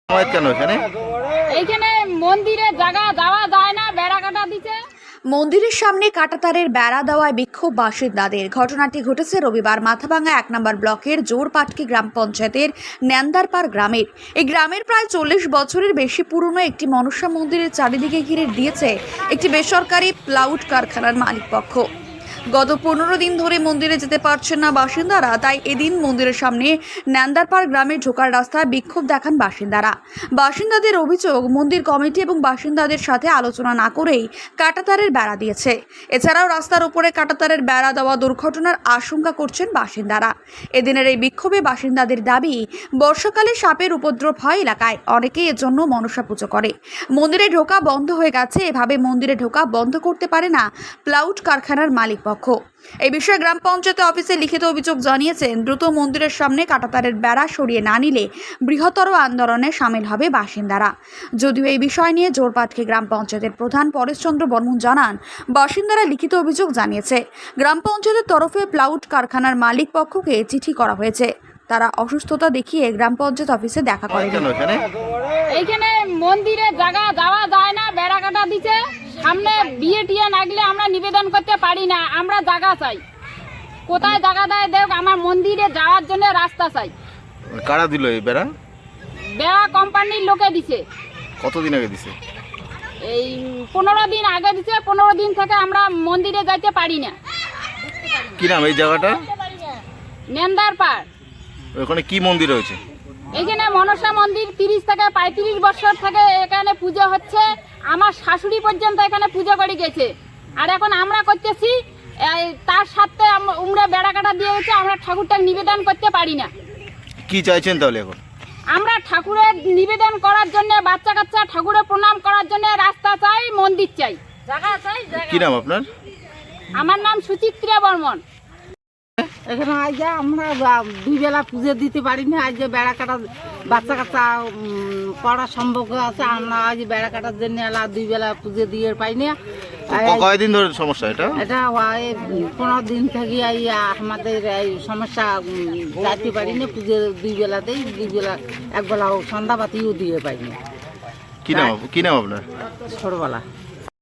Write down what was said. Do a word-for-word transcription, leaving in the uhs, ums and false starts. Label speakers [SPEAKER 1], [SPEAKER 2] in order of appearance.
[SPEAKER 1] কেন এখানে
[SPEAKER 2] এইখানে মন্দিরে জায়গা যাওয়া যায় না, বেড়া কাটা দিতে।
[SPEAKER 3] মন্দিরের সামনে কাঁটাতারের বেড়া দেওয়ায় বিক্ষোভ বাসিন্দাদের। ঘটনাটি ঘটেছে রবিবার মাথাভাঙ্গা এক নম্বর ব্লকের জোরপাটকি গ্রাম পঞ্চায়েতের ন্যান্দারপাড় গ্রামের। এই গ্রামের প্রায় চল্লিশ বছরের বেশি পুরনো একটি মনসা মন্দিরের চারিদিকে ঘিরে দিয়েছে একটি বেসরকারি প্লাউড কারখানার মালিকপক্ষ। গত পনেরো দিন ধরে মন্দিরে যেতে পারছেন না বাসিন্দারা, তাই এদিন মন্দিরের সামনে ন্যান্দারপাড় গ্রামে ঢোকার রাস্তায় বিক্ষোভ দেখান বাসিন্দারা। বাসিন্দাদের অভিযোগ, মন্দির কমিটি এবং বাসিন্দাদের সাথে আলোচনা না করেই কাঁটাতারের বেড়া দিয়েছে। এছাড়াও রাস্তার উপরে কাঁটাতারের বেড়া দেওয়া দুর্ঘটনার আশঙ্কা করছেন বাসিন্দারা। এদিনের এই বিক্ষোভে বাসিন্দাদের দাবি, বর্ষাকালে সাপের উপদ্রব হয় এলাকায়, অনেকেই এর জন্য মনসা পুজো করে। মন্দিরে ঢোকা বন্ধ হয়ে গেছে, এভাবে মন্দিরে ঢোকা বন্ধ করতে পারে না প্লাউড কারখানার মালিক পক্ষ। এই বিষয়ে গ্রাম পঞ্চায়েত অফিসে লিখিত অভিযোগ জানিয়েছেন। দ্রুত মন্দিরের সামনে কাঁটাতারের বেড়া সরিয়ে না নিলে বৃহত্তর আন্দোলনে সামিল হবে বাসিন্দারা। যদিও এই বিষয় নিয়ে জোরপাটকি গ্রাম পঞ্চায়েতের প্রধান পরেশচন্দ্র বর্মন জানান, বাসিন্দারা লিখিত অভিযোগ জানিয়েছে। গ্রাম পঞ্চায়েতের তরফে প্লাউড কারখানার মালিক পক্ষকে চিঠি করা হয়েছে। তারা অসুস্থতা দেখিয়ে গ্রাম পঞ্চায়েত অফিসে দেখা করে।
[SPEAKER 2] এইখানে মন্দিরে জায়গা যাওয়া যায় না, বেড়া কাটা দিতে। সামনে বিয়ে টিয়ে লাগলে আমরা নিবেদন করতে পারি না, আমরা জায়গা চাই। কোথায় জায়গা দেয় দেখ, আমার মন্দিরে যাওয়ার জন্য রাস্তা চাই।
[SPEAKER 1] কারা দিল এই বেড়া?
[SPEAKER 2] বেড়া কোম্পানির লোকে দিছে।
[SPEAKER 1] কতদিন আগে দিছে?
[SPEAKER 2] এই পনেরো দিন আগে দিছে। পনেরো দিন থেকে আমরা মন্দিরে যাইতে পারি না।
[SPEAKER 1] কি নাম এই জায়গাটা?
[SPEAKER 2] ন্যান্দারপাড়।
[SPEAKER 1] ওখানে কি মন্দির রয়েছে?
[SPEAKER 2] এখানে মনসা মন্দির তিরিশ থেকে পঁয়ত্রিশ বছর থেকে এখানে পুজো হচ্ছে। আমার শাশুড়ি পর্যন্ত এখানে পুজো করে গেছে, আর এখন আমরা করতেছি। তার সাথে আমরা বেড়া কাটা দিয়ে হচ্ছে, আমরা ঠাকুরটা নিবেদন করতে পারি না।
[SPEAKER 1] কি চাইছেন তাহলে এখন?
[SPEAKER 2] আমরা ঠাকুরের নিবেদন করার জন্য, বাচ্চা কাচ্চা ঠাকুরের প্রণাম করার জন্য রাস্তা চাই, মন্দির চাই, জায়গা চাই।
[SPEAKER 1] কি নাম আপনার?
[SPEAKER 2] আমার নাম সুচিত্রা বর্মন।
[SPEAKER 4] এখানে আজ আমরা দুই বেলা পুজো দিতে পারি না। আজ যে বেড়া কাটা বাচ্চা কাচ্চা পড়ার সম্ভব আছে, আমরা আজ বেড়া কাটার জন্য এলা দুই বেলা পুজো দিয়ে পাই না।
[SPEAKER 1] কয়দিন ধরে সমস্যা এটা?
[SPEAKER 4] এটা পনেরো দিন থেকে আমাদের এই সমস্যা যাইতে পারি না। পুজো দুই বেলাতেই দুই বেলা এক বেলা সন্ধ্যাবাতিও দিয়ে পাই না।
[SPEAKER 1] কি নাম কি নাম আপনার?
[SPEAKER 4] ছোটবেলা